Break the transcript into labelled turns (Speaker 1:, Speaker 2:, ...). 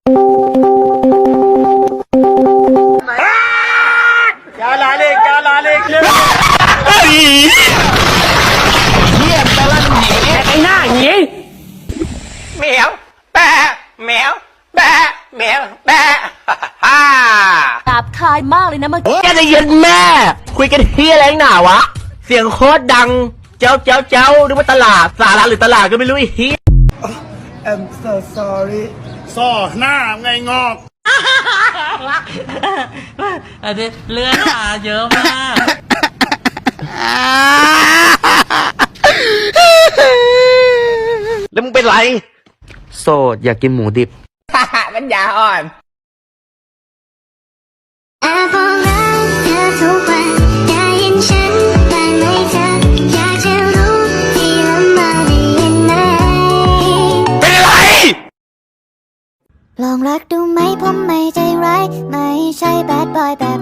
Speaker 1: क्या लालेเยี่ยมตะลันหนีไอ้หน้าหนีแมวแปะแมวแปะแมวแปะฮ่า
Speaker 2: หยาบคายมากเลยนะเมื่อกี้
Speaker 1: แกจะเย็นแม่คุยกันเฮียอะไรหนาวะเสียงโคตรดังเจ้านึกว่าตลาดสาระหรือตลาดก็ไม่รู้ไอ้เฮีย
Speaker 3: I'm so sorry
Speaker 4: ซ่อหน้าไงงอก
Speaker 5: อันนี้เลือดหาเยอะมาก
Speaker 1: แล้วมึงเป็นไรโสดอยากกินหมูดิบมันยาอ่อน
Speaker 6: แอบบอกรักเธอทุกวันได้ยินฉันบ้างไหมเธออยากจะรู้ที่ลำบากได้ยินไหม
Speaker 1: เป็นไร
Speaker 6: ลองรักดูไหมผมไม่ใจร้ายไม่ใช่แบดบอยแบบ